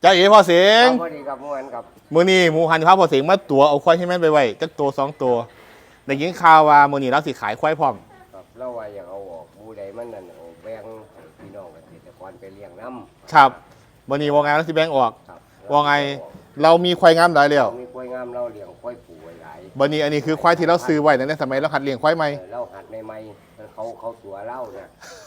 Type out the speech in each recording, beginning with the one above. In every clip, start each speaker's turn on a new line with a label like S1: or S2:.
S1: จ้าเอ๋พ่อเสียง
S2: พอดีกับเมื่อวานกับ
S1: มือนี้หมูหันพาพ่อเสียงมาตัวเอาควายให้แม่นไปไว้จักตัว2ตัวได้ยินข่าวว่ามือนี้เราสิขายควายพร้อม
S2: กับเล่าว่าอยากเอาออกบูใดมันนั่นเอาแบ่งให้พี่น้องเกษตรกรไปเลี้ยงน้ำ
S1: ครับมือนี้ว่าไงเราสิแบ่งออก
S2: ครับ
S1: ว่าไงเรามีควายงามหลายแล้ว
S2: มีกล้วยงามเราเลี้ยงกล้วยผูไว้หลาย
S1: มือนี้อันนี้คือควายที่เราซื้อไว้ในสมัยเราหัดเลี้ยงควายใหม่
S2: เราหัดใหม่ๆเขาตัวเล่าเนี่ย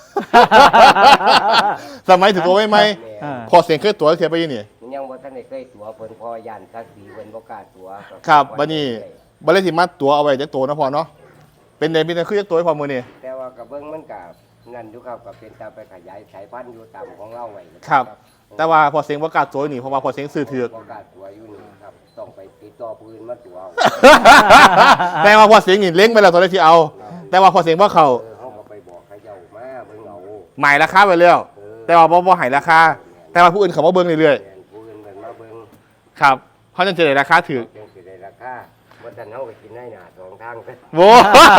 S1: สมัยถึงตัวใหม่
S2: แม่
S1: ๆพอเสียงเคยตัวเสียไปยี่นี่
S2: ยังบ่ทันได้เคยตัวเพิ่นพอยันทักสีเพิ่นบ่กล้าตัว
S1: ครับบัดนี้บัดเลยสิมาตัวเอาไว้จักตัวนะพอเนาะเป็นได้คือจักตัวให้พอมือนี้
S2: แต่ว่ากับเบิ่งมันก็นั่นอยู่ครับก็เป็นตาไปขยายสายพันธุ์อยู่ตามของเราไว้
S1: ครับ แต่ว่าพอเสียงประกล้าศตัวนี่เพราะว่าพอเสียงซื้อถือก
S2: บ่กล้าตัวอยู่นี่ครับต้องไปติดต่อปืนมาตัวเอา
S1: แต่ว่าพอเสียงนี่เล้งไปแล้วตัวได้ที่เอา แต่ว่าพอเสียงว่าเขา
S2: เขาก็ไปบอกเขาเจ้ามาเบิ่งเอา
S1: หมายราคาไปแล้วแต่ว่าบ่ให้ราคา แต่ว่าผู้อื่นเขามาเบิ่งเรื่อย
S2: แม่นปืนเพิ่นมาเบิ่ง
S1: ๆครับเขาจะได้ราคาถือ
S2: จังสิได้ราคาบ่ทันเฮาไปกินได้หน้าสองทางเด้อ
S1: โว้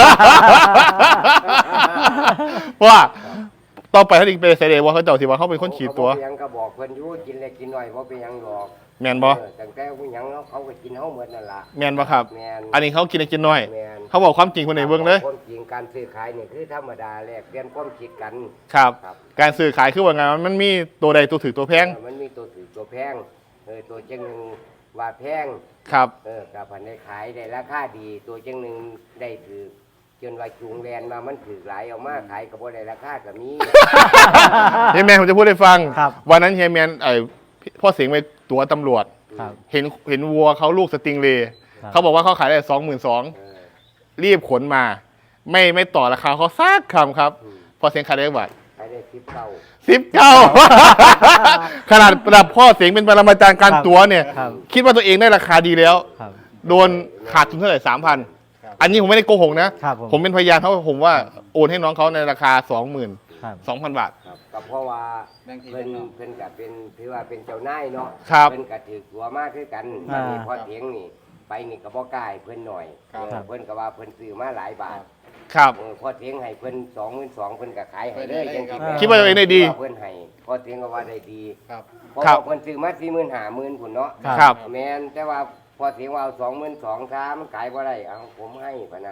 S1: ว่าต่อไปถ้าอีกเป็นเสด็จว่าเขาเจ้าสิว่าเขาเป็นคนขีดตัว
S2: เขาบ่เป็นหยังก็บอกเพิ่นอยู่กินเล็กกินน้อยบ่เป็นหยังหรอก
S1: แมนบ่
S2: ตั้งแต่ผู้หยังเขาก็กินเฮาหมดนั่นล่ะ
S1: แมนบ่ครับ
S2: แม่น
S1: อันนี้เขากินได้กินน้อย
S2: แม่น
S1: เขาบอกความจริงคนไหนเบิ่งเลย
S2: คนจริงการซื้อขายนี่คือธรรมดาแลกเปลี่ยนความคิดกัน
S1: ครับ
S2: ครับ
S1: การซื้อขายคือว่าไงมันมีตัวใดตัวถือตัวแพง
S2: มันมีตัวถือตัวแพงตัวจังหนึงว่าแพง
S1: ครับ
S2: กับพันได้ขายได้ราคาดีตัวจังหนึงได้ถือจนว่าจูงแลนมามันถือหลายเอามาขายก็บ่ได้ราคาก็มี
S1: เฮียแมนผมจะพูดให้ฟัง
S3: ครับ
S1: วันนั้นเฮียแมนพ่อเสียงไปตัวตำรวจ
S3: ครับ
S1: เห็นวัวเขาลูกสติงเลย์
S3: ครับ
S1: เขาบอกว่าเขาขายได้22,000รีบขนมา ไม่ต่อราคาเขาซักคำครับ พอเสียงขายได้บาท
S2: ขายได้19
S1: 19 ขนาดระดับพ่อเสียงเป็นปรมาจารย์การ
S3: ครับ
S1: ตัวเนี่ย
S3: ครับ
S1: คิดว่าตัวเองได้ราคาดีแล้ว
S3: ครับ
S1: โดนขาดทุนเท่าไหร่3,000 อันนี้ผมไม่ได้โกหกนะ
S3: ครับ
S1: ผมเป็นพยานเขาผมว่าโอนให้น้องเขาในราคา
S3: ครับ
S1: 22,000 บาท
S2: ครับก็เพราะว่าเพิ่นก็เป็นถือว่าเป็นเจ้านายเนาะ
S1: ครับ
S2: เพิ่นก็ถือตัวมากคือกัน
S3: อ่า
S2: นี่พอเถียงนี่ไปนี่ก็บ่กล้าให้เพิ่นหน่อย
S3: ครับ
S2: เพิ่นก็ว่าเพิ่นซื้อมาหลายบาท
S1: ครับ
S2: พอเถียงให้เพิ่น22,000เพิ่นก็ขายให้เลยจังซี่แหม
S1: คิดว่าตัวเองได้ดี
S2: เพิ่นให้พอเถียงก็ว่าได้ดี
S1: ครับ
S2: เพราะ
S1: ครับ
S2: ว่าเพิ่นซื้อมา40,000 50,000พุ่นเนาะ
S1: ครับ
S2: แม่นแต่ว่าพอเถียงว่าเอา22,000ซามันขายบ่ได้เอาผมให้พะนะ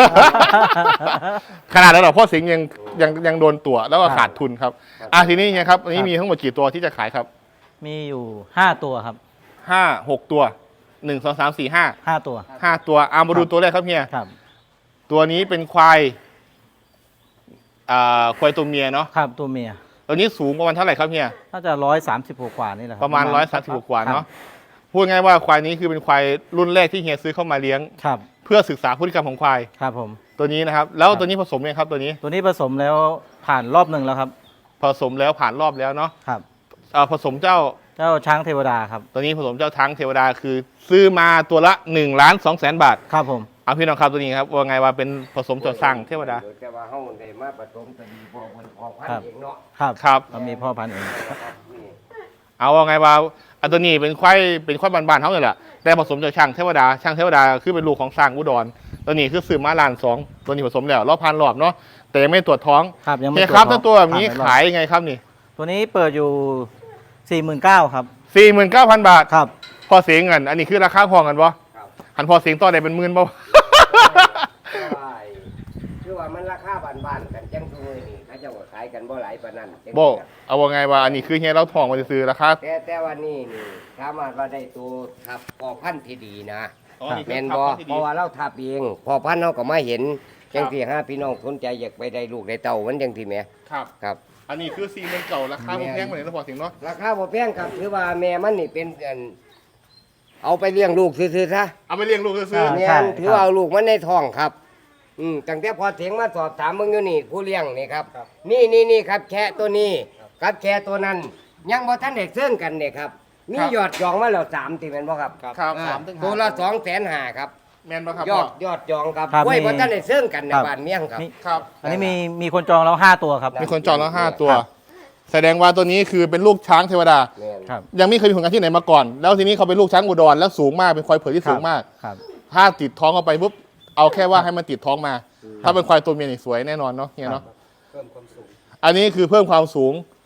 S1: ขนาดนั้นเหรอพ่อสิงห์ยังโดนตัวแล้วก็ขาดทุนครับทีนี้เนี่ยครับอันนี้มีทั้งหมดกี่ตัวที่จะขายครับ
S3: มีอยู่5ตัวครับ
S1: 6 ตัว1 2 3 4
S3: 5ตัว
S1: 5ตัวมาดูตัวแรกครับเฮีย
S3: ครับ
S1: ตัวนี้เป็นควายควายตัวเมียเนาะ
S3: ครับตัวเมีย
S1: ตัวนี้สูงประมาณเท่าไหร่ครับเฮีย
S3: น่าจะ136กว่านี่แหละคบ
S1: ประมาณ136กว่าเนาะพูดง่ายว่าควายนี้คือเป็นควายรุ่นแรกที่เฮียซื้อเข้ามาเลี้ยง
S3: ครับ
S1: เพื่อศึกษาพฤติกรรมของควาย
S3: ครับผม
S1: ตัวนี้นะครับ แล้วตัวนี้ผสมยังครับตัวนี้
S3: ตัวนี้ผสมแล้วผ่านรอบหนึ่งแล้วครับ
S1: ผสมแล้วผ่านรอบแล้วเนาะ
S3: ครับ
S1: ผสมเจ้า
S3: เจ้าช้างเทวดาครับ
S1: ตัวนี้ผสมเจ้าทั้งเทวดาคือซื้อมาตัวละ1,200,000 บาท
S3: ครับผม
S1: เอาพี่น้องครับตัวนี้ครับว่าไงว่าเป็นผสมเจ้าสร้างเทวดา
S2: แต่ว่าเฮาได้มาผสมก็ดีพอเพิ่นพอพัน
S3: ครับ
S2: ธุ์เองเนาะ
S3: ครับ
S1: ครับ
S3: เรามีพ่อพันธุ์เอง
S2: นี่
S1: เอาว่าไงว่าตัวนี้เป็นควายบ้านๆเขาเลยแหละแต่ผสมจากช่างเทวดาช่างเทวดาคือเป็นลูกของสร้างอุดรตัวนี้คือซื้อมา1,200,000ตัวนี้ผสมแล้วรอบพันรอบเนาะแต่ยังไม่ตรวจท้อง
S3: ครับยังไม่
S1: เฮียครับ
S3: ตรวจท้
S1: ถ้า
S3: อง
S1: ตัวแบบนี้
S3: ผ่านไปรอบ
S1: ขายยังไงครับนี่
S3: ตัวนี้เปิดอยู่49,000ครับ
S1: 49,000 บาท
S3: ครับ
S1: พอเสียงเงินอันนี้คือราคาพอกันปะ
S2: ครับ
S1: หันพอเสียงต่อได้เป็นหมื่นปะ
S2: คือว่ามันราคาบ้านๆกันจังซุมื้อนี่เขาเจ้าก็ขายกันบ่หลายปานนั้นจัง
S1: โบเอาว่าไงว่าอันนี้คือเฮียเราทองมาซื้อราคา
S2: แต่ว่านี่สามารถว่าได้ตัวทับพอพันธุ์ที่ดีนะ
S1: อ๋อนี่คือ
S2: แม่น
S1: ทับ
S2: บ่
S1: พันธุ์ที่ดี
S2: เพราะว่าเราทับเองพอพันธุ์เฮาก็มาเห็นจังซี่หาพี่น้องสนใจอยากไปได้ลูกได้เต้ามันจังซี่แหม
S1: ครับ
S2: ครับ
S1: อันนี้คือซีเมนต์เก่าราคาแพงกว่านี้แล้วพอเสียงเนาะ
S2: ราคาบ่แพงครับถือว่าแม่มันนี่เป็นเอาไปเลี้ยงลูกซื่อๆซะ
S1: เอาไปเลี้ยงลูกซื้อ
S3: อ่า
S2: แม่
S3: ใช่
S2: นถือว่าเอาลูกมันในท้องครับตั้งแต่พอเถียงมาสอบถามมึงอยู่นี่ผู้เลี้ยงนี่ครับ นี่ครับแค่ตัวนี้ครับแค่ตัวนั้น ยังบ่ทันได้เสื่องกันเนี่ยครับมียอดจองมาแล้ว3ที่แม่นบ่ครับ
S1: ครับ
S2: ตัวละ250,000ครับ
S1: แมนปะครับ
S2: ยอดจองครับ
S3: ครับ
S2: โอ้ย
S3: มี
S2: บ่ทันได้เสื่องกันใน
S3: ครับ
S2: บ้านเมียงครับ
S3: มี
S1: ครับ
S3: อันนี้มีคนจองแล้ว5ตัวครับ
S1: มีคนจองแล้ว5 ตัว แสดงว่าตัวนี้คือเป็นลูกช้างเทวดา
S2: แม่น
S3: ครับ
S1: ยังไม่เคยมีผลงานที่ไหนมาก่อน แล้วทีนี้เขาเป็นลูกช้างอุดรแล้วสูงมากเป็นควายเผือกที่สูงมาก
S3: ครับ
S1: ถ้าติดท้องเข้าไปปุ๊บเอาแค่ว่าให้มันติดท้องมา ถ้าเป็นควายตัวเมียนี่สวยแน่นอนเนาะเฮียเนาะ
S2: เพิ่มความสูง
S1: อันนี้คือเพิ่มความสูง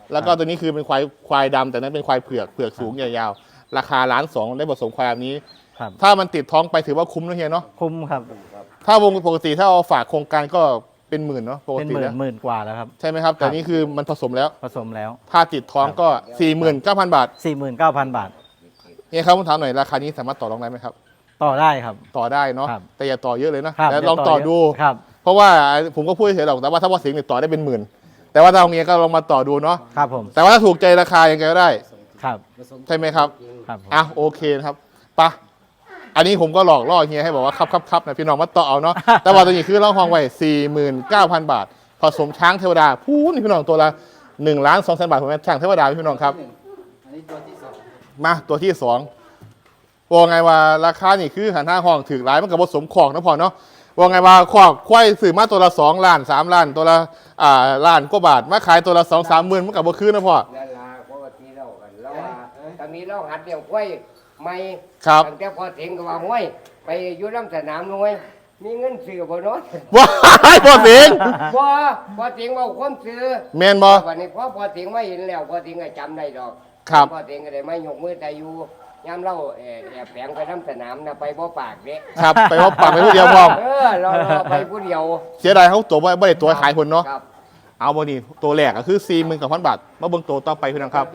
S1: แล้วก็ตัวนี้คือเป็นควายดำแต่นั้นเป็นควายเผือกสูงยาวๆราคา1,200,000ได้ผสมควายแบบนี้
S3: ครับ
S1: ถ้ามันติดท้องไปถือว่าคุ้มนะเฮียเนาะ
S3: คุ้มครับ
S1: ถ้าวงปกติถ้าเอาฝากโครงการก็เป็นหมื่นเนาะปก
S3: เป็น
S1: ติ
S3: หมื่
S1: แล้
S3: น
S1: ว
S3: หมื่นกว่าแล้วครับ
S1: ใช่ไหมครับ แต่นี่คือมันผสมแล้ว
S3: ผสมแล้ว
S1: ถ้าติดท้องก็ 49,000 บาท
S3: 49,000 บาท
S1: เฮียครับผมถามหน่อยราคานี้สามารถต่อรองได้ไหมครับ
S3: ต่อได้ครับ
S1: ต่อได้เนาะ
S3: ครับ
S1: แต่อย่าต่อเยอะเลยนะครับ แล้วลอง
S3: เยว
S1: ต่อดู
S3: ครับ
S1: เพราะว่าผมก็พูดเฉยๆหรอกแต่ว่าถ้าว่าเสียงเนี่ยต่อได้เป็นหมื่นแต่ว่าถ้าเอาเงี้ยก็ลองมาต่อดูเนาะ
S3: ครับผม
S1: แต่ว่าถ้าถูกใจราคายังไงก็ได้
S3: ครับ
S1: ใช่ไหมครับ
S3: ครับผม
S1: อ่ะโอเคนะครับไปะอันนี้ผมก็หลอกล่อเฮียให้บอกว่าครับนะพี่น้องมาต่อเอาเนาะ แต่ว่าตัวนี้คือเราห้องไว้49,000 บาท ผสมช้างเทวดาพูนี่พี่น้องตัวละ1,200,000 บาทผมช้างเทวดาพี่น้องครับ
S4: อันนี้ตัวที่สอง
S1: มาตัวที่2ว่าไงว่าราคานี่คือหันห้าห้องถือหลายมันกับผสมของนะพอเนาะว่าไงว่าขอกควายสื่อมาตัวละ2 ล้าน3 ล้านตัวละล้านกว่าบาทมาขายตัวละ2-3 หมื่นมันกับบ่คืนนะพ่อ
S2: นั่นล่ะปกติเรากันเราว่าตอนนี้เราหัดเลี้ยงควายไม่
S1: ครับ
S2: ตั้งแต่พอถึงก็ว่าห้วยไปอยู่ลำสนามห้วยมีเงินซื้อบ่เนาะ
S1: ว้ายพ่อสิง
S2: บ่พอถึงว่าความซื้อ
S1: แมนบ่
S2: วันนี้พอถึงไม่เห็นแล้วพอถึงก็จำได้ดอก
S1: ครับ
S2: พอถึงก็ได้ไม่ยกมือแต่อยู่ยามเราแอบแฝงไปลำสนามนะไปบ่ปากเด้
S1: ครับไปว่าปากไปผู้เดียวพอ
S2: เราไปผู้เดียว
S1: เสียดายเขาตัวไม่ได้ตัวขายคนเนาะ
S2: ครับ
S1: เอาบ่นี่ตัวแรกก็คือ49,000 บาทมาเบิ่งตัวต่อไปพี่น้องครับ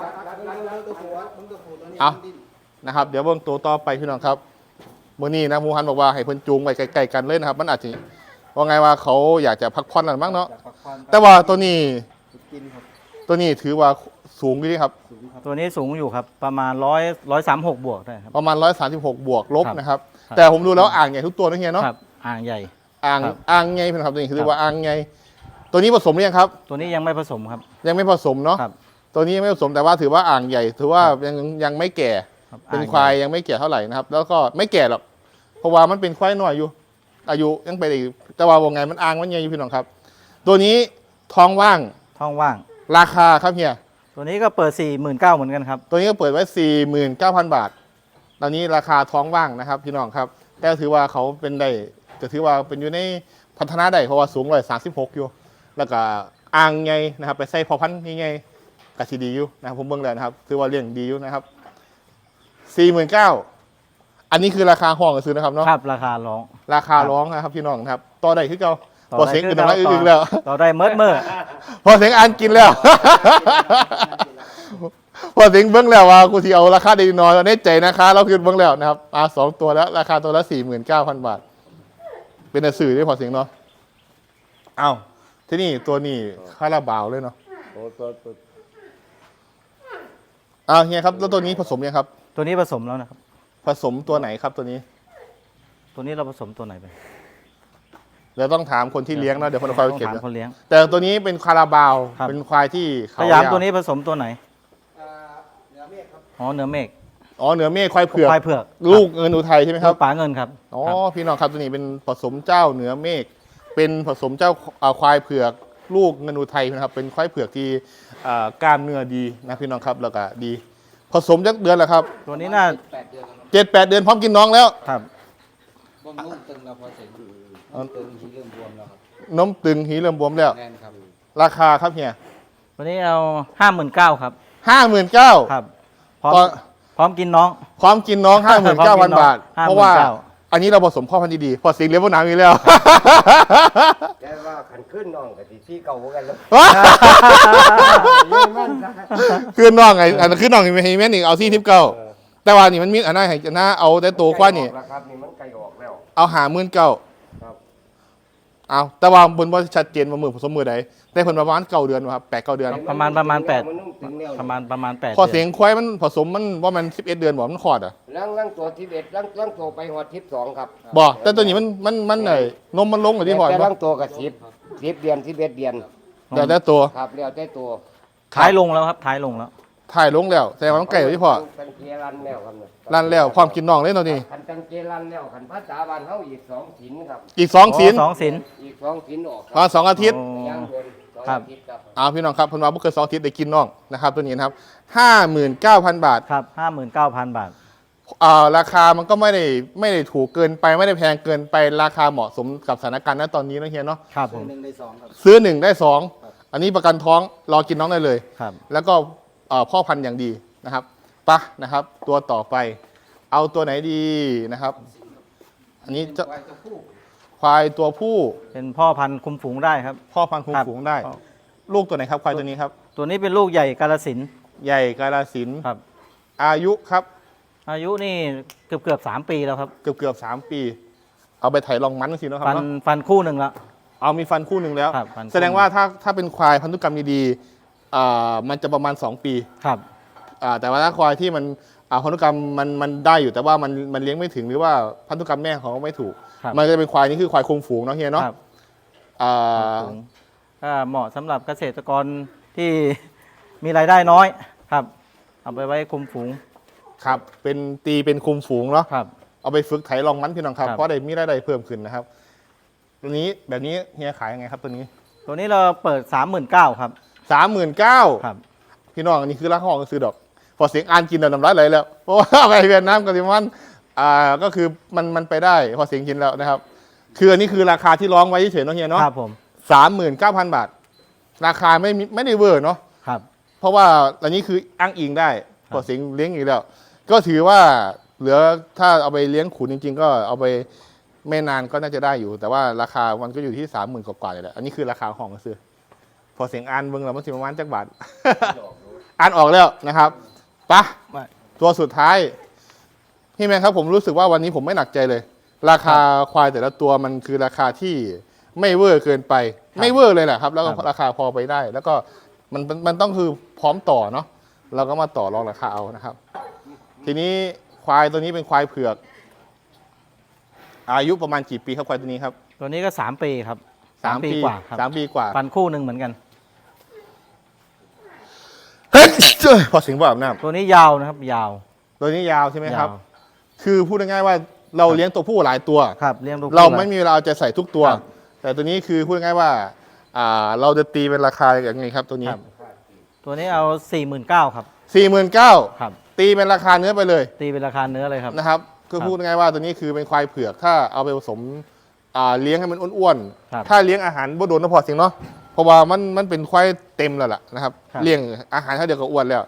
S1: เอานะครับ เดี๋ยวเบิ่งตัวต่อไปพี่น้องครับมื้อนี้นะหมูฮันบอกว่าให้เพิ่นจูงไว้ใกล้ๆกันเลยนะครับ มันอาจจะว่าไงว่าเขาอยากจะพักผ่อนกันบ้างเนาะ
S4: จากปักควัน
S1: แต่ว่าตัวนี้
S4: กินครับ
S1: ตัวนี้ถือว่าสูงอยู่ดีครับ
S4: สูงครับ
S3: ตัวนี้สูงอยู่ครับ ประมาณ136 บวกได้ครับ
S1: ประมาณ136 บวกลบ
S3: ครับ
S1: นะครับ
S3: ครับ
S1: แต่ผมดูแล้วอ่างใหญ่ทุกตัวนะเฮียเนาะ
S3: ครับ อ่างใหญ่
S1: อ่าง
S3: ครับ
S1: อ่างไงพี่น้องครับตัวนี้คือเรียกว่าอ่างไงตัวนี้ผสมหรือยังครับ
S3: ตัวนี้ยังไม่ผสมครับ
S1: ยังไม่ผสมเนาะ
S3: ครับ
S1: ตัวนี้ยังไม่ผสมแต่ว่าถือว่าอ่างใหญ่ ถือว่ายังไม่แก่
S3: ครับ
S1: เป็น
S3: อ่ง
S1: ควาย
S3: ใหญ่
S1: ยังไม่แก่เท่าไหร่นะครับ แล้วก็ไม่แก่หรอกเพราะว่ามันเป็นควายน้อยอยู่ อายุยังไปอีกแต่ว่าวงไงมันอ่างมันใหญ่อยู่พี่น้องครับ ตัวนี้ท้องว่าง
S3: ท้องว่าง
S1: ราคาครับเฮีย
S3: ตัวนี้ก็เปิด 49,000เหมือนกันครับ
S1: ตัวนี้ก็เปิดไว้ 49,000 บาท ตอนนี้ราคาท้องว่างนะครับ พี่น้องครับแต่ถือว่าเขาเป็นได้จะถือว่าเป็นอยู่ในพัฒนาได้เพราะว่าสูง136อยู่ แล้วก็อ่างไงนะครับ ไปใส่พอพันธุ์นี่ไงกะสิดีอยู่นะครับผมเบิ่งแล้วนะครับถือว่าเลี้ยงดีอยู่นะครับ49,000อันนี้คือราคาห้องซื้อนะครับเนาะ
S3: ครับ ราคาร้อง
S1: ราคาร้องนะครับพี่น้องครับต่อได้คือเก่า
S3: ต่อ
S1: พอ
S3: ได้
S1: เสียง
S3: คือ
S1: อื่นน้อย
S3: ต่อ
S1: อึ้งๆแล้ว
S3: ต่อได้เมิดเมื่อ
S1: พอเสียงอ่านกินแล้ว พอเสียงเบิ้งแล้วว่ากูที่เอาราคาดีน้อยในใจนะคะเราคือเบิ้งแล้วนะครับ2 ตัวแล้วราคาตัวละ49,000 บาท เป็นหนังสือด้วยพอเสียงเนาะเอาที่นี่ตัวนี้คาราบาวเลยเนาะเฮียครับแล้วตัวนี้ผสมยังครับ
S3: ตัวนี้ผสมแล้วนะครับ
S1: ผสมตัวไหนครับตัวนี้
S3: ตัวนี้เราผสมตัวไหนไป
S1: เดี๋ยวต้องถามคนที่เลี้ยงเนาะเดี๋ยวคนคอย
S3: ต้อง
S1: เก็บ
S3: ถาม
S1: นะ
S3: คนเลี้ยง
S1: แต่ตัวนี้เป็นคาราบาว
S3: ครับ
S1: เป็นควายที่
S3: ส
S1: เขา
S3: ยาม
S1: ยาว
S3: ตัวนี้ผสมตัวไหน
S4: เหนือเมฆครับ
S3: อ๋อเนื้อเมฆ
S1: อ๋อเหนือเมฆควายเผือก
S3: ควายเผือก
S1: ลูกเงินอุทัยใช่ไหมครับ
S3: ลูกป๋าเงินครับ
S1: อ๋อ
S3: ครับ
S1: พี่น้องครับตัวนี้เป็นผสมเจ้าเหนือเมฆเป็นผสมเจ้าควายเผือก ลูกเงินอุทัยนะครับเป็นควายเผือกที่กล้ามเนื้อดีนะพี่น้องครับแล้วก็ดี ผสมจักเดือนแล้วครับ
S3: ตัวนี้น่า
S4: 8 เดือนแล้วครับ
S1: 7-8 เดือนพร้อมกินน้องแล้ว
S3: ครับ
S4: บำรุงตึงแล้วพอเสร็จตึงที่เริ่มบวมแล้วครับ
S1: นมตึงหีเริ่มบวมแล้ว
S4: แน่นครับ
S1: ราคาครับเฮีย
S3: ตัวนี้เอา59,000ครับ
S1: 59,000
S3: ครับ พร้อม
S1: ก็
S3: พร้อมกินน้อง
S1: พร้อมกินน้อง
S3: พร้อมกินน้อง
S1: 59,000 บาท เพราะว่า
S3: 59,000
S1: อันนี้เราผสมพ่อพันธุ์ดีๆพอสิงเลี้ยงพวกน้ำอีกแล้ว
S2: แต่ว่าขันขึ้นน้องกับที่เก่ากันแล้ว
S1: คือน้องไงอันนั้นคือน้องไม่ให้แม่นอีกเอาซี่ทิปเก้าแต่ว่านี่มันมีอันนั้นให้หน้าเอาแต่ตัวกว่านี่
S2: แล้วครับนี่มันไกลออกแล้ว
S1: เอา59,000
S2: ครับ
S1: เอาแต่ว่าบนว่าชัดเจนว่ามือผสมมือใดได้ผลประมาณ9 เดือนครับ8-9 เดือน
S3: ประมาณ8
S2: มันนุ่มถึงแล้ว
S3: ประมาณ8
S1: พอเสียงควายมันผสมมันว่ามัน11 เดือนบอกมันขอดอ่ะ
S2: ล่างตัวที่11ล่างตัวไปหอด12ครับ
S1: บอกแต่ตัวนี้มันไหนนมมันลงกับที่พอด
S2: แต่
S1: บ่
S2: ล่างตัวกับ10เดือน11เดือน
S1: แต่แต่ตัว
S2: ครับแล้วแต่ตัว
S3: ท้ายลงแล้วครับท้ายลงแล้ว
S1: ถ่ายลงแล้วแต่ว่ามันไก่กับที่พอ
S2: กันเกลันแล้วครับเนี่ย
S1: รันแล้วความกินน้องเลยตัวนี้
S2: คันตังเกลันแล้วคันภาษาบ้านเฮาอีก2ศีลครับ
S1: อีก2ศีล
S3: สองศีล
S2: อีก2ศีลออก
S1: ประมาณ2 อาทิตย์
S3: โอ้
S2: ย่างบน2
S3: ครับ
S2: อาทิตย์ครับ
S1: เอาพี่น้องครับเพันว่าบ่เกิน2 อาทิตย์ได้กินน้องนะครับตัวนี้นะครับ59,000 บาท
S3: ครับ59,000 บาท
S1: ราคามันก็ไม่ได้ถูกเกินไปไม่ได้แพงเกินไปราคาเหมาะสมกับสถานการณ์ณตอนนี้นะเฮียเนาะ
S3: ครับผ
S4: ตัว
S3: ม
S4: 1 ได้ 2 ครับ
S1: ซื้อ1ได้2 อันนี้ประกันท้องรอกินน้องได้เลย
S3: ครับ
S1: แล้วก็พ่อพันธุ์อย่างดีนะครับปะนะครับ ตัวต่อไป เอาตัวไหนดีนะครับ อันนี้จะ
S4: ไว้ตัวผู้
S1: ควายตัวผู้
S3: เป็นพ่อพันธุ์คุมฝูงได้ครับ
S1: พ่อพันธุ์คุม
S3: ครับ
S1: ฝูงได้ ลูกตัวไหนครับควายตัวนี้ครับ
S3: ตัวนี้เป็นลูกใหญ่กาฬสินธุ์
S1: ใหญ่กาฬสินธุ์
S3: ครับ
S1: อายุครับ
S3: อายุนี่เกือบ3 ปีแล้วครับ
S1: เกือบ3 ปี เอาไปไถลองมันสิเนาะครับ
S3: ฟัน
S1: เนาะ
S3: ฟันคู่หนึ่งแล้ว
S1: เอามีฟันคู่หนึ่งแล้ว
S3: ครับฟันคู่
S1: แสดงว่าถ้าเป็นควายพันธุกรรมดีๆมันจะประมาณ 2 ปี
S3: ครับ
S1: แต่ว่าถ้าควายที่มันพันธุกรรมมันได้อยู่แต่ว่ามันเลี้ยงไม่ถึงหรือว่าพันธุกรรมแม่ของเขาไม่ถูก
S3: ครับ
S1: มันจะเป็นควายนี่คือควายคุมฝูงเนาะเฮียเนาะ
S3: ครับ
S1: อ่า
S3: ฝูงก็เหมาะสำหรับเกษตรกรที่มีรายได้น้อยครับ เอาไปไว้คุมฝูง
S1: ครับเป็นคุมฝูงเนาะ
S3: ครับ
S1: เอาไปฝึกไถลองมันพี่น้องครับ
S3: ครับ
S1: เพราะได้มีรายได้เพิ่มขึ้นนะครับตัวนี้แบบนี้เฮียขายยังไงครับตัวนี้
S3: ตัวนี้เราเปิด 39,000ครับ
S1: 39,000
S3: ครับ
S1: พี่น้องอันนี้คือราคาห้องซื้อดอก พอเสียงอ่านกินแล้วน้ำลายไหลแล้วเพราะว่าไปเวียดนามกับซิมันก็คือมันไปได้พอเสียงกินแล้วนะครับ คืออันนี้คือราคาที่ร้องไว้เฉยๆเนาะเฮียเนาะ
S3: ครับผม
S1: 39,000 บาท ราคาไม่ได้เวอร์เนาะ
S3: ครับ
S1: เพราะว่าอันนี้คืออ้างอิงได้
S3: ครับ
S1: พอเสียงเลี้ยงอีกแล้ว ก็ถือว่าเหลือถ้าเอาไปเลี้ยงขุนจริงๆ ก็เอาไปไม่นานก็น่าจะได้อยู่ แต่ว่าราคามันก็อยู่ที่ 30,000 กว่าๆเลยแหละอันนี้คือราคาห้องซื้อพอเสียงอ่านเบิ่งแล้วมันสิประมาณจักบาท อ่านออกแล้วนะครับไปะตัวสุดท้ายพี่แมนครับผมรู้สึกว่าวันนี้ผมไม่หนักใจเลย ราคาควายแต่ละตัวมันคือราคาที่ไม่เวอร์เกินไป ไม่เวอร์เลยแหละครับ แล้วก็ราคาพอไปได้ แล้วก็มันต้องคือพร้อมต่อเนาะเราก็มาต่อรองราคาเอานะครับ ทีนี้ควายตัวนี้เป็นควายเผือก อายุประมาณกี่ปีครับควายตัวนี้ครับ
S3: ตัวนี้ก็3 ปีครับ3 ปีกว่าครับ
S1: 3 ปีกว่า
S3: ฟันคู่หนึ่งเหมือนกัน
S1: พอเสียงแบบน้
S3: ตัวนี้ยาวนะครับยาว
S1: ำตัวนี้ยาวใช่ไหมครับ
S3: ยาว
S1: คือพูดง่ายๆว่าเราเลี้ยงตัวผู้หลายตัว
S3: ครับเลี้ยงลูก
S1: เรา
S3: คู่
S1: ไม่มีเวลาเอาใจใส่ทุกตัว
S3: ครับ
S1: แต่ตัวนี้คือพูดง่ายๆว่าเราจะตีเป็นราคาอย่างไงครับตัวนี้
S3: ครับ ตัวนี้เอา 49,000ครับ
S1: 49,000
S3: ครับ
S1: ตีเป็นราคาเนื้อไปเลย
S3: ตีเป็นราคาเนื้อเลยครับ
S1: นะครับคือพูดง่ายๆว่าตัวนี้คือเป็นควายเผือก ถ้าเอาไปผสมเลี้ยงให้มันอ้วน
S3: ครับ
S1: ๆถ้าเลี้ยงอาหารบ่โดนน้ำพอเสียงเนาะเพราะว่ามันเป็นควายเต็มแล้วล่ะนะครับ
S3: ครับ
S1: เลี้ยงอาหารเท่าเดียวก็อ้วนแล้ว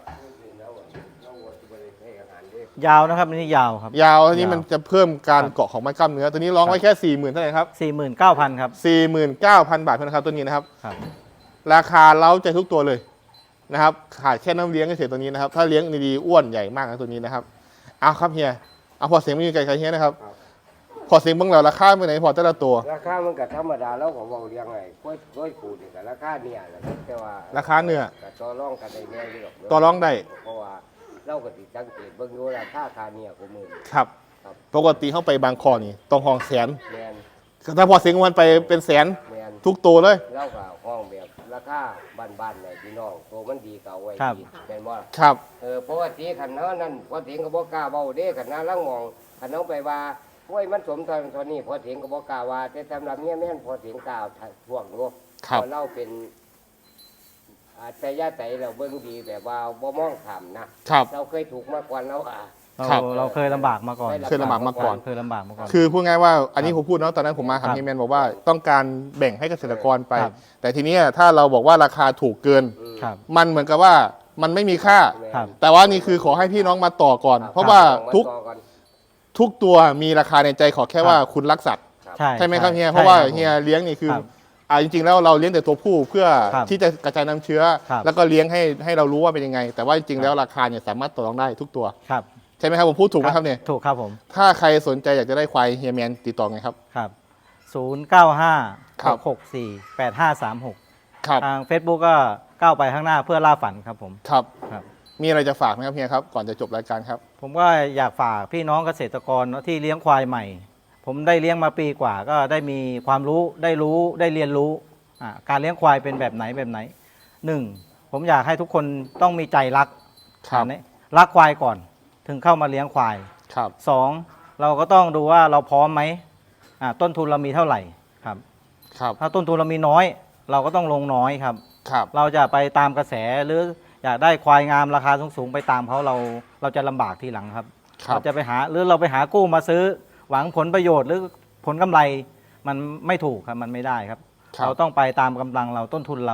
S3: ยาวนะครับอันนี้ยาวครับ
S1: ยาวอันนี้
S3: ยาว
S1: มันจะเพิ่มการ
S3: ครับ
S1: เกาะของมัดกล้ามเนื้อตัวนี้ร้องไว้แค่40,000เท่าไหร่ครับ
S3: 49,000ครับ
S1: 49,000 บาทเท่านั้นครับตัวนี้นะครับ
S3: ครับ
S1: ราคาเล้าใจทุกตัวเลยนะครับขาดแค่น้ำเลี้ยงเฉยๆตัวนี้นะครับ ถ้าเลี้ยงดีๆอ้วนใหญ่มากนะตัวนี้นะครับเอาครับเฮียเอาพอเสียงไม่มีไกลๆเฮียนะครับ พอเสียงเบิ่งแล้วราคาเป็นไหนพอแต่ละตัว
S2: ราคามันก็ธรรมดาแล้วก็เว้าเรียงไงกล้วยปูนี่ก็ราคาเนี่ยแหละแต่ว่า
S1: ราคาเนื้อ
S2: ก็ต่อรองกันได้แน่อยู่หรอก
S1: ต่อรองได้
S2: เพราะว่าเราก็สิสังเกตเบิ่งอยู่ราคาคาเนี่ยของมือ
S1: ครับ
S2: ครับ
S1: ปกติเข้าไปบางคอนี่ต้องห้องแสน
S2: แมน
S1: ถ้าพอเสียงวันไปเป็นแสน
S2: แมน
S1: ทุกตัวเลย
S2: เราก็ห้องแบบราคาบ้านๆเนี่ยพี่น้องตัวมันดีก็เอาไว้
S3: ครับ
S2: ดีแม่นบ่ล่ะ
S1: ครับ
S2: เพราะว่าตีขันเนาะนั่นพอเถียงก็บ่กล้าเว้าเด้ขันนาลังมองขันเนาไปว่าโอ้ยมันสมตอนนี้พอเถียงก็บ่กล้าว่าแต่สำหรับเมียแม่นพอเถียงกล้าท่วงอยู่
S1: ครับ
S2: เพราะเราเป็นอาจยะใจเราเบิ่งดีแบบว่าบ่มองข้ามนะครับ เราเคยถูกมาก่อนแล้ว
S1: ครับ
S3: เราเคยลำบากมาก่อน
S1: เคยลำบากมาก่อน
S3: เคยลำบากมาก่อน
S1: คือพูดง่ายว่าอันนี้ผมพูดเนาะตอนนั้นผมมา
S3: ครั
S1: หา
S3: บ
S1: เฮียแมนบอกว่าต้องการแบ่งให้เกษตรกรไป
S3: ครับ
S1: แต่ทีเนี้ยถ้าเราบอกว่าราคาถูกเกิน
S3: ครับ
S1: มันเหมือนกับว่ามันไม่มีค่า
S3: ครับ
S1: แต่ว่านี่คือขอให้พี่น้องมาต่อก่อน เพราะว่าทุกตัวมีราคาในใจขอแค่ว่าคุณรักสัตว์ ใช่ไหมครับเฮียเพราะว่าเฮียเลี้ยงนี่คือ
S3: ครับ
S1: จริงๆแล้วเราเลี้ยงแต่ตัวผู้เพื่อ
S3: ครับ
S1: ที่จะกระจายน้ำเชื้อ
S3: ครับ
S1: แล้วก็เลี้ยงให้เรารู้ว่าเป็นยังไง แต่ว่าจริงๆแล้วราคาเนี่ยสามารถต่อรองได้ทุกตัว
S3: ครับ
S1: ใช่ไหมครับผมพูดถูกไหมครับเนี่ย
S3: ถูกครับผม
S1: ถ้าใครสนใจอยากจะได้ควายเฮียแมนติดต่อไงครับ
S3: ครับ095
S1: ครับ
S3: 664 8536
S1: ครับ
S3: ทาง Facebook ก็ก้าวไปข้างหน้าเพื่อล่าฝันครับผม
S1: ครับ
S3: ครับ
S1: มีอะไรจะฝากไหมครับเฮียครับก่อนจะจบรายการครับ
S3: ผมก็อยากฝากพี่น้องเกษตรกรที่เลี้ยงควายใหม่ ผมได้เลี้ยงมาปีกว่าก็ได้มีความรู้ได้เรียนรู้การเลี้ยงควายเป็นแบบไหนหนึ่งผมอยากให้ทุกคนต้องมีใจรัก
S1: ครับ
S3: รักควายก่อน ถึงเข้ามาเลี้ยงควาย
S1: ครับ
S3: สองเราก็ต้องดูว่าเราพร้อมไหมต้นทุนเรามีเท่าไหร่ครับ
S1: ครับ
S3: ถ้าต้นทุนเรามีน้อย เราก็ต้องลงน้อยครับ
S1: ครับ
S3: เราจะไปตามกระแสหรืออยากได้ควายงามราคาสูงๆไปตามเขาเราจะลำบากทีหลังครับ
S1: ครับ
S3: เราจะไปหาหรือเราไปหากู้มาซื้อ หวังผลประโยชน์หรือผลกำไรมันไม่ถูกครับมันไม่ได้ครับ
S1: ครับ
S3: เราต้องไปตามกำลังเราต้นทุนเรา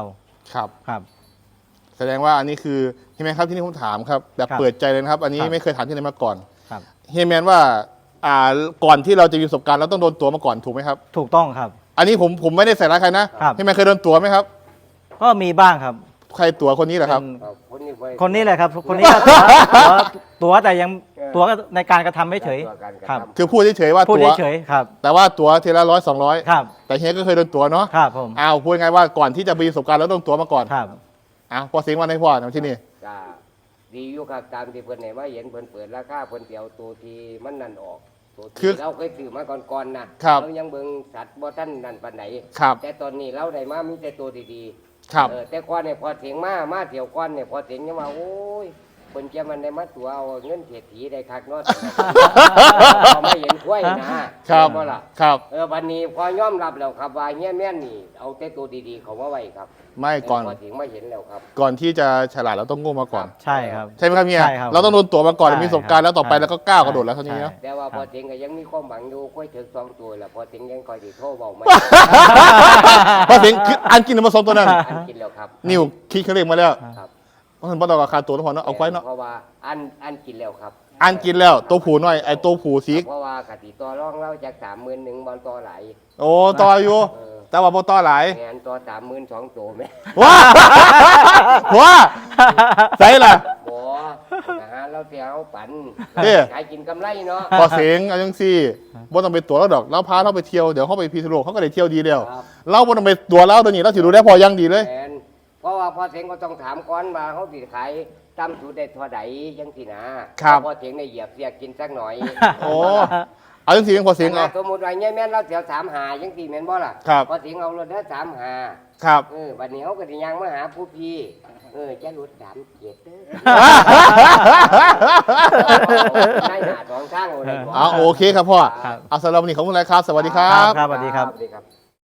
S1: ครับ
S3: ครับ
S1: แสดงว่าอันนี้คือเฮียแมนครับที่นี่ผมถามครับแบบ
S3: ครับ
S1: เปิดใจเลยนะครับ อันนี้
S3: ครับ
S1: ไม่เคยถามที่ไหนมาก่อน
S3: ครับ
S1: เฮียแมนว่าก่อนที่เราจะมีประสบการณ์เราต้องโดนตัวมาก่อนถูกไหมครับ
S3: ถูกต้องครับ
S1: อันนี้ผมไม่ได้ใส่ร้ายใครนะครับ เฮียแมนเคยโดนตัวไหมครับ
S3: ก็มีบ้างครับ
S1: ใครตัวคนนี้เหรอครับ
S3: เป็น
S2: ครับคนนี้ไว้
S3: คนนี้แหละครับ คนนี้ก็ตัวแต่ยังตัวในการกระทำไม่เฉย
S2: ตัวการกระ
S3: ครับ
S2: ทำ
S1: คือพูดเฉยๆว่า
S3: พูด
S1: ตัว
S3: เฉยๆครับ
S1: แต่ว่าตัวทีละ100-200
S3: ครับ
S1: แต่เฮียก็เคยโดนตัวเนาะ
S3: ครับผม
S1: อ้าวพูดง่ายๆว่าก่อนที่จะมีประสบการณ์เราต้องตัวมาก่อน
S3: ครับ
S1: อ้าวพอเสียงวันให้พ่อทำที่นี่
S2: ก็ดีอยู่ครับตามที่เพิ่นให้มาเห็นเพิ่นเปิดราคาเพิ่นสิเตียวตัวที่มันนั่นออกตัว
S1: คื
S2: ที่
S1: อ
S2: เราเคยซื้อมาก่อนๆนะครับ เรายังเบิ่งสัตว์บ่ทันนั่นปานใด
S1: ครับ
S2: แต่ตอนนี้เราได้มามีแต่ตัวดี
S1: ครับ
S2: แต่ก่อนเนี่ยพอเสียงมาเที่ยวก่อนเนี่ยพอเสียงยังว่าโอ้ยเพิ่นจะมันได้มาตัวเอาเงินเศรษฐีได้คักเนาะ เราไม่เห็นกล้วยนะครับ เห็นบ่ล่ะ
S1: ครับ
S2: วันนี้พอยอมรับแล้วครับว่าเฮียแม่นนี่เอาแต่ตัวดีๆเขามาไว้ครับ
S1: ไม่ก่อน
S2: พอถึงมาเห็นแล้วครับ
S1: ก่อนที่จะฉลาดเราต้องโง่มาก่อน
S3: ใช่ครับ
S1: ใช่ไหมครับเฮีย
S3: ใช่ครับ
S1: เราต้องโดนตัวมาก่อน
S3: ใช่
S1: มีประสบการณ์แล้วต่อไป
S3: ใช่
S1: แล้วก็ก้าวกระโดดแล้วเท่านี้เนาะ
S3: ใช่
S2: แต่ว่าพอถึงก็ยังมีความหวังอยู่กล้วยถึง2ตัวแล้วพอถึงยังคอยสิโทรบอกไม่
S1: พอเสียงคืออันกินมาสองตัวนั้น
S2: อันกินแล้วครับ
S1: นิวคิดเครื่องเลขมาแล้ว
S2: ครับ
S1: เพราะฉะนั้นบ่ต้องราคาตัวแล้วพอเนาะเอาไว้เนาะ
S2: เพราะว่าอันกินแล้วครับ
S1: อันกินแล้วตัวผูน้อยไอ้ตัวผูสี
S2: เพราะว่ากติต่อรองเราจาก31,000บอลต่อหลาย
S1: โอ้ต่ออยู่ แต่ว่าบ่ต่อหลาย
S2: งานต่อ32,000ตัวไหม
S1: ว้าว้าใส่ล่ะ
S2: บ่นะฮะเราเสียเอาปัน
S1: เด้
S2: ขายกินกำไรเนาะ
S1: พอเสียงเอาจังซี่บ่ต้องไปตัวแล้วดอกเราพาเราไปเที่ยวเดี๋ยวเขาไปพีทโลกเขาก็ได้เที่ยวดีแล้ว
S2: ครับ
S1: เราบ่ต้องไปตัวเราตัวนี้เราสิดูได้พอยังดีเลย
S2: แม่นเพราะว่าพอเสียงก็ต้องถามก่อนว่าเขาสิขายตั้มสูตรได้เท่าใดจังสินะครับ พอเสียงได้เหยียบเสียกินสักหน่อย
S1: โอ้เอาจังซี่พอเสียงเอา
S2: สมมุติว่าเนี่ยแม่นเราเสียว35จังสิแม่นบ่ล่ะ
S1: ครับ
S2: พอเสียงเอารถได้35
S1: ครับ
S2: บัดนี้เขาก็สิยังมาหาผู้พี่จะรถ37เด้อได้หาสองข้างเอาได้บ่
S1: เอาโอเคครับพ่อ
S3: ครับ
S1: เอาสำหรับวันนี้ขอบคุณหลายครับ สวัสดีครั
S3: ครับ บสวัสดีครับ
S2: สวัสดีครับ